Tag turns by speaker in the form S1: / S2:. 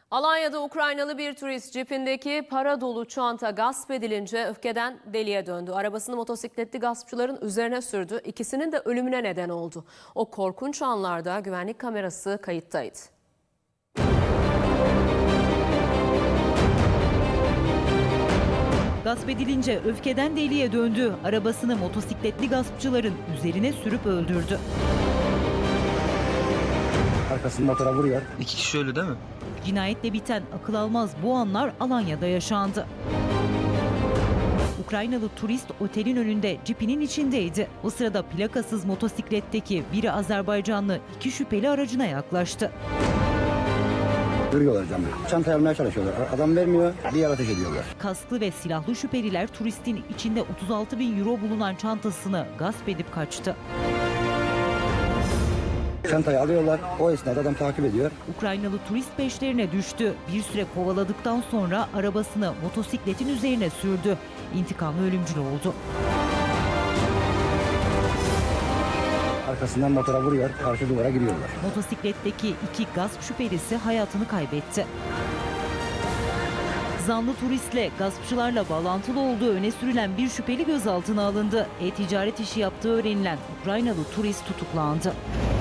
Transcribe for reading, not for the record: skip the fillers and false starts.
S1: Alanya'da Ukraynalı bir turist cipindeki para dolu çanta gasp edilince öfkeden deliye döndü. Arabasını motosikletli gaspçıların üzerine sürdü. İkisinin de ölümüne neden oldu. O korkunç anlarda güvenlik kamerası kayıttaydı.
S2: Gasp edilince öfkeden deliye döndü. Arabasını motosikletli gaspçıların üzerine sürüp öldürdü.
S3: Arkasını motora vuruyor.
S4: İki kişi ölü değil mi?
S2: Cinayetle biten akıl almaz bu anlar Alanya'da yaşandı. Ukraynalı turist otelin önünde cipinin içindeydi. O sırada plakasız motosikletteki biri Azerbaycanlı iki şüpheli aracına yaklaştı.
S3: Vuruyorlar camı. Çantayı almaya çalışıyorlar. Adam vermiyor. Bir yer ateş ediyorlar.
S2: Kasklı ve silahlı şüpheliler turistin içinde 36.000 euro bulunan çantasını gasp edip kaçtı.
S3: Çantayı alıyorlar. O esnada adam takip ediyor.
S2: Ukraynalı turist peşlerine düştü. Bir süre kovaladıktan sonra arabasını motosikletin üzerine sürdü. İntikamı ölümcül oldu.
S3: Arkasından motora vuruyor. Karşı duvara giriyorlar.
S2: Motosikletteki iki gasp şüphelisi hayatını kaybetti. Zanlı turistle gaspçılarla bağlantılı olduğu öne sürülen bir şüpheli gözaltına alındı. E-ticaret işi yaptığı öğrenilen Ukraynalı turist tutuklandı.